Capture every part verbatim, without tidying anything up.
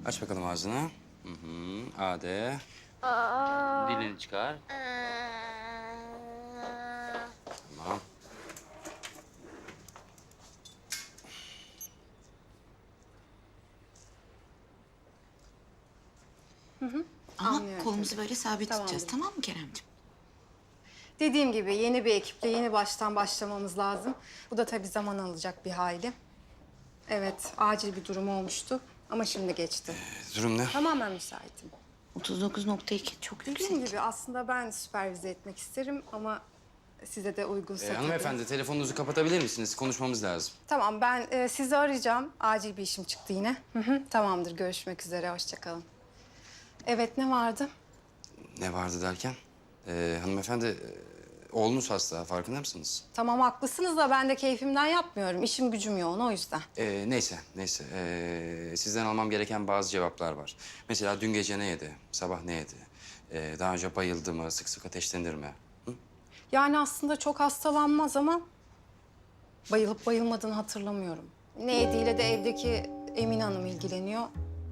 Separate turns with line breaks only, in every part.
Aç bakalım ağzını. Hı hı. A de.
Aa.
Dilini çıkar. Tamam.
Ama
Anlıyorum
kolumuzu
tabii.
böyle sabit
Tamamdır.
tutacağız, tamam mı Keremciğim?
Dediğim gibi yeni bir ekiple yeni baştan başlamamız lazım. Bu da tabii zaman alacak bir hayli. Evet, acil bir durum olmuştu ama şimdi geçti.
Durum ne?
Tamamen müsaitim.
otuz dokuz nokta iki çok
Dediğim
yüksek.
gibi aslında ben süpervize etmek isterim ama size de uygunsa
Ee,
tabii.
hanımefendi telefonunuzu kapatabilir misiniz? Konuşmamız lazım.
Tamam, ben e, sizi arayacağım. Acil bir işim çıktı yine. Hı hı, tamamdır, görüşmek üzere, hoşça kalın. Evet, ne vardı?
Ne vardı derken? Ee, hanımefendi e, oğlunuz hasta farkında mısınız?
Tamam, haklısınız da ben de keyfimden yapmıyorum. İşim gücüm yoğun, o yüzden.
Ee, neyse neyse. Ee, sizden almam gereken bazı cevaplar var. Mesela dün gece ne yedi? Sabah ne yedi? Ee, daha önce bayıldı mı? Sık sık ateşlenir mi? Hı?
Yani aslında çok hastalanmaz ama bayılıp bayılmadığını hatırlamıyorum. Ne yediğiyle de evdeki Emine Hanım ilgileniyor.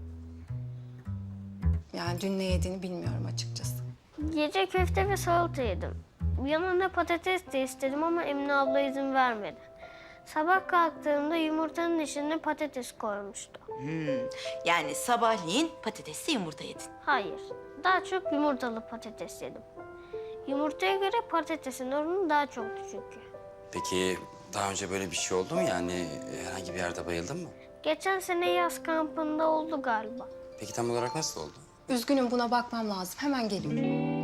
Yani dün ne yediğini bilmiyorum açıkçası.
Gece köfte ve salata yedim. Yanına patates de istedim ama Emine abla izin vermedi. Sabah kalktığımda yumurtanın içine patates koymuştu.
Yani sabahleyin patatesli yumurta yedin.
Hayır, daha çok yumurtalı patates yedim. Yumurtaya göre patatesin oranı daha çoktu çünkü.
Peki daha önce böyle bir şey oldu mu? Yani herhangi bir yerde bayıldın mı?
Geçen sene yaz kampında oldu galiba.
Peki tam olarak nasıl oldu?
Üzgünüm, buna bakmam lazım. Hemen geliyorum.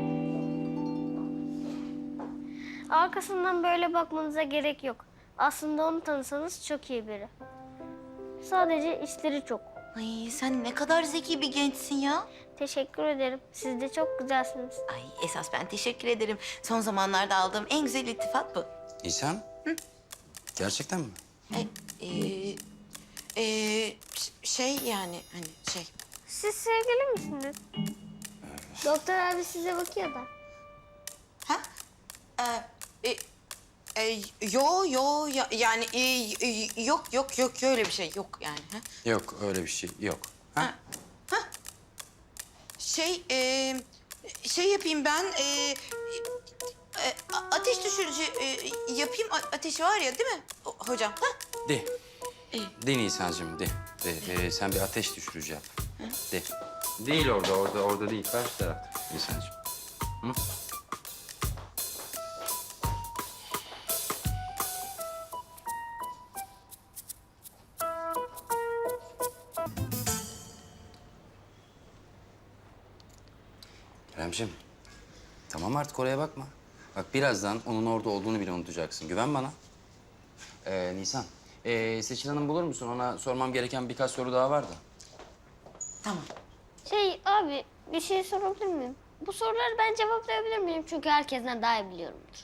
Arkasından böyle bakmanıza gerek yok. Aslında onu tanısanız çok iyi biri. Sadece işleri çok.
Ay sen ne kadar zeki bir gençsin ya.
Teşekkür ederim. Siz de çok güzelsiniz.
Ay esas ben teşekkür ederim. Son zamanlarda aldığım en güzel iltifat bu.
Nisan? Gerçekten mi?
E, e, e, ş- şey yani hani şey.
Siz sevgili misiniz? Doktor abi size bakıyor da.
Ha? E, e, e, yo yo ya, yani e, e, yok yok yok öyle bir şey yok yani. Ha?
Yok öyle bir şey yok. Ha?
Ha. Şey, e, şey yapayım ben, e, e, a- ateş düşürücü e, yapayım. A- ateşi var ya değil mi o- hocam? Ha?
De.
İyi.
De Nisan'cığım de. De, de. Sen bir ateş düşürücü yap. De. Değil orada, orada, orada değil. Karşı tarafta Nisan'cığım. Hı? Keremciğim, tamam artık oraya bakma. Bak birazdan onun orada olduğunu bile unutacaksın. Güven bana. Ee, Nisan, ee, Seçil Hanım bulur musun? Ona sormam gereken birkaç soru daha var da.
Tamam.
Şey abi bir şey sorabilir miyim? Bu soruları ben cevaplayabilir miyim? Çünkü herkesten daha iyi biliyorumdur.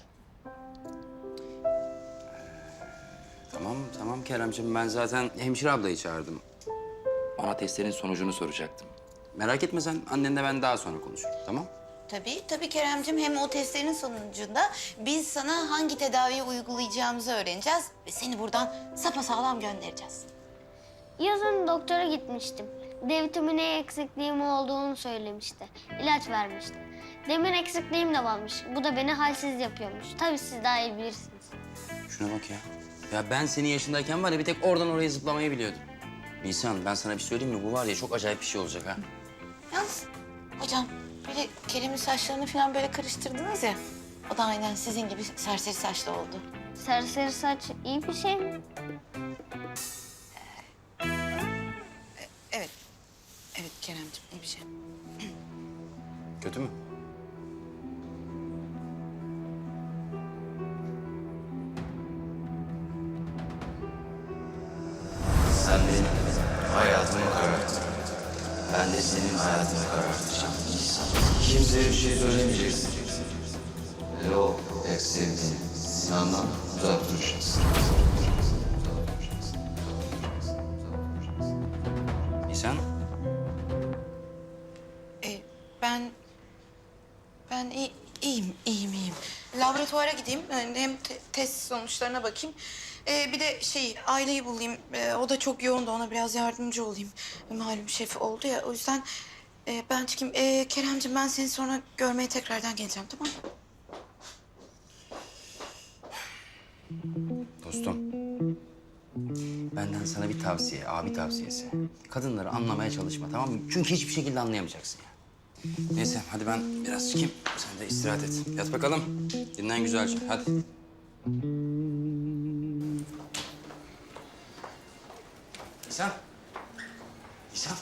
Tamam, tamam Keremciğim. Ben zaten hemşire ablayı çağırdım. Ona testlerin sonucunu soracaktım. Merak etme sen, annenle ben daha sonra konuşurum, tamam?
Tabii, tabii Keremcim. Hem o testlerin sonucunda biz sana hangi tedaviyi uygulayacağımızı öğreneceğiz ve seni buradan sapasağlam göndereceğiz.
Yazın doktora gitmiştim. D vitamini eksikliğim olduğunu söylemişti. İlaç vermişti. Demir eksikliğim de varmış. Bu da beni halsiz yapıyormuş. Tabii siz daha iyi bilirsiniz.
Şuna bak ya. Ya ben senin yaşındayken var ya bir tek oradan oraya zıplamayı biliyordum. Nisan ben sana bir söyleyeyim mi? Bu var ya çok acayip bir şey olacak ha.
Yalnız hocam böyle Kerem'in saçlarını falan böyle karıştırdınız ya. O da aynen sizin gibi serseri saçlı oldu.
Serseri saç iyi bir şey mi?
Evet. Evet Kerem'ciğim iyi bir şey.
Kötü mü?
Sen benim hayatımı kararttın. Ben de senin hayatını karartacağım. Kimseye bir şey söylemeyeceksin. Ve o pek sevdiğin Sinan'dan uzak duracaksın.
Nisan?
Ee, ben... Ben iyi, iyiyim, iyiyim, iyiyim. Laboratuvara gideyim. Yani hem te- test sonuçlarına bakayım. Ee, bir de şey aileyi bulayım. Ee, o da çok yoğundu, ona biraz yardımcı olayım. Malum şef oldu ya, o yüzden e, ben çıkayım. Ee, Keremciğim, ben seni sonra görmeye tekrardan geleceğim, tamam mı?
Dostum, benden sana bir tavsiye, abi tavsiyesi. Kadınları anlamaya çalışma, tamam mı? Çünkü hiçbir şekilde anlayamayacaksın ya. Neyse, hadi ben biraz çıkayım. Sen de istirahat et. Yat bakalım. Dinlen güzelce, hadi. Nisan. Nisan.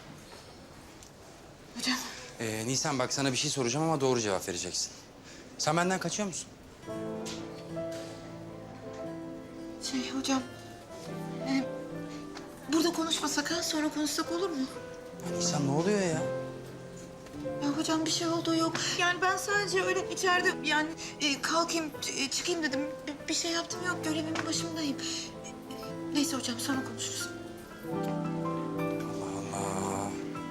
Hocam.
Ee, Nisan bak sana bir şey soracağım ama doğru cevap vereceksin. Sen benden kaçıyor musun?
Şey hocam, e, burada konuşmasak ha, sonra konuşsak olur mu?
Ya Nisan ne oluyor ya?
Ya hocam bir şey olduğu yok. Yani ben sadece öyle içeride yani e, kalkayım, e, çıkayım dedim. Bir, bir şey yaptım yok, görevimin başındayım. E, e, neyse hocam, sonra konuşuruz.
Allah Allah.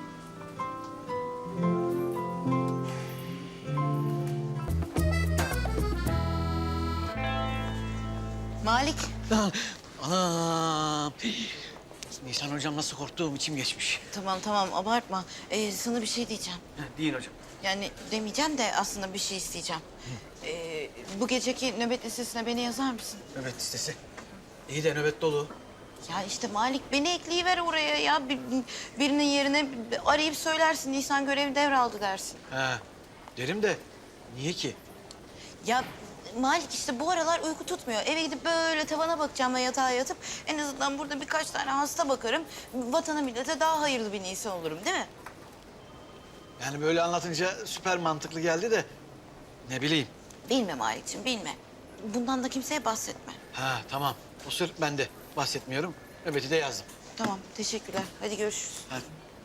Malik.
Anam. Nisan hocam nasıl korktuğum içim geçmiş.
Tamam tamam, abartma. Ee, sana bir şey diyeceğim.
Heh, Değil hocam.
Yani demeyeceğim de aslında bir şey isteyeceğim. Ee, bu geceki nöbet listesine beni yazar mısın?
Nöbet listesi. İyi de nöbet dolu.
Ya işte Malik, beni ekleyiver oraya ya. Bir, birinin yerine arayıp söylersin. Nisan görevi devraldı dersin.
Ha, derim de niye ki?
Ya Malik, işte bu aralar uyku tutmuyor. Eve gidip böyle tavana bakacağım ve yatağa yatıp en azından burada birkaç tane hasta bakarım. Vatana millete daha hayırlı bir Nisan olurum, değil mi?
Yani böyle anlatınca süper mantıklı geldi de ne bileyim.
Bilme Malik'ciğim, bilme. Bundan da kimseye bahsetme.
Ha tamam. O sır bende. Bahsetmiyorum. Nöbeti de yazdım.
Tamam, teşekkürler. Hadi görüşürüz.
Hadi.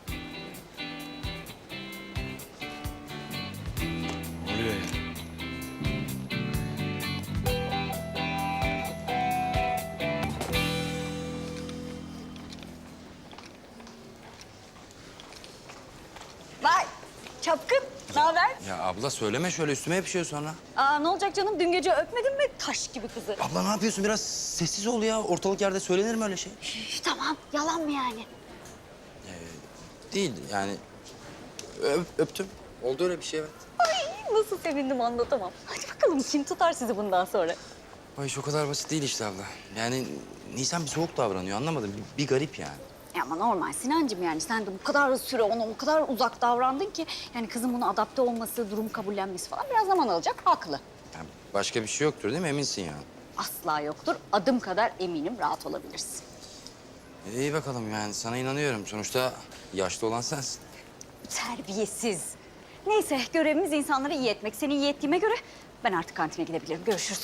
Ne oluyor ya?
Vay çapkın, ne haber?
Ya abla söyleme şöyle üstüme yapışıyor sonra.
Aa, ne olacak canım, dün gece öpmedin mi taş gibi kızı?
Abla ne yapıyorsun? Biraz sessiz ol ya. Ortalık yerde söylenir mi öyle şey?
Üf, tamam, yalan mı yani?
Değil yani. Öp, öptüm. Oldu öyle bir şey evet.
Ay, nasıl sevindim anlatamam. Hadi bakalım, kim tutar sizi bundan sonra?
Ay iş o kadar basit değil işte abla. Yani Nisan bir soğuk davranıyor anlamadım. Bir, bir garip yani.
Ya ama normal Sinancığım, yani sen de bu kadar süre ona o kadar uzak davrandın ki... ...yani kızın buna adapte olması, durum kabullenmesi falan biraz zaman alacak, haklı.
Yani başka bir şey yoktur değil mi? Eminsin yani.
Asla yoktur, adım kadar eminim, rahat olabilirsin.
E, İyi bakalım yani sana inanıyorum. Sonuçta yaşlı olan sensin.
Terbiyesiz. Neyse, görevimiz insanları iyi etmek. Seni iyi ettiğime göre ben artık kantine gidebilirim. Görüşürüz.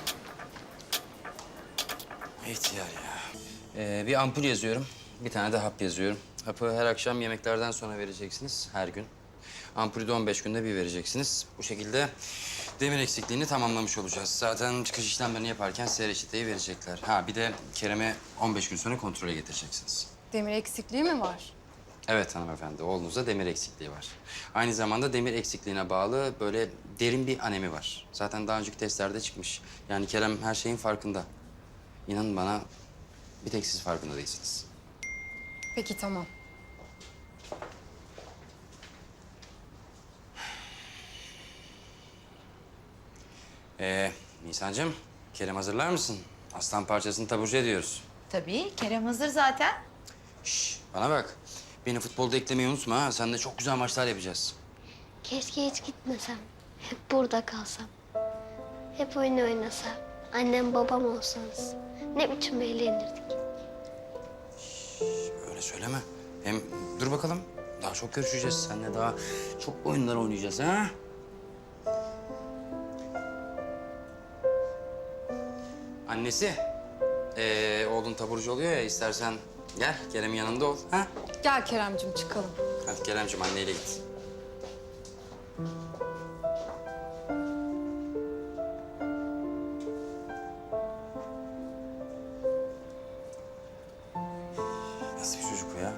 İhtiyar ya. Ee, bir ampul yazıyorum. Bir tane de hap yazıyorum. Hapı her akşam yemeklerden sonra vereceksiniz. Her gün. Ampulü de on beş günde bir vereceksiniz. Bu şekilde demir eksikliğini tamamlamış olacağız. Zaten çıkış işlemlerini yaparken size reçeteyi verecekler. Ha bir de Kerem'i on beş gün sonra kontrole getireceksiniz.
Demir eksikliği mi var?
Evet hanımefendi, oğlunuzda demir eksikliği var. Aynı zamanda demir eksikliğine bağlı böyle derin bir anemi var. Zaten daha önceki testlerde çıkmış. Yani Kerem her şeyin farkında. İnanın bana bir tek siz farkında değilsiniz.
Peki tamam.
Ee, Nisan'cığım, Kerem hazırlar mısın? Aslan parçasını taburcu ediyoruz.
Tabii, Kerem hazır zaten.
Şş, bana bak. Beni futbolda eklemeyi unutma ha. Seninle çok güzel maçlar yapacağız.
Keşke hiç gitmesem. Hep burada kalsam. Hep oyun oynasam. Annem babam olsanız. Ne biçim eğlenirdik.
Öyle söyleme. Hem dur bakalım. Daha çok görüşeceğiz. Seninle daha çok oyunlar oynayacağız ha. Annesi. Ee, oğlun taburcu oluyor ya. İstersen gel Kerem'in yanında ol. Ha?
Gel Keremcim, çıkalım.
Hadi Kerem'ciğim anneyle git. Nasıl bir çocuk bu ya?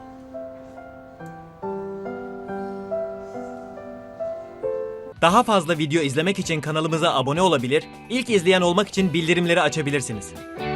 Daha fazla video izlemek için kanalımıza abone olabilir, ilk izleyen olmak için bildirimleri açabilirsiniz.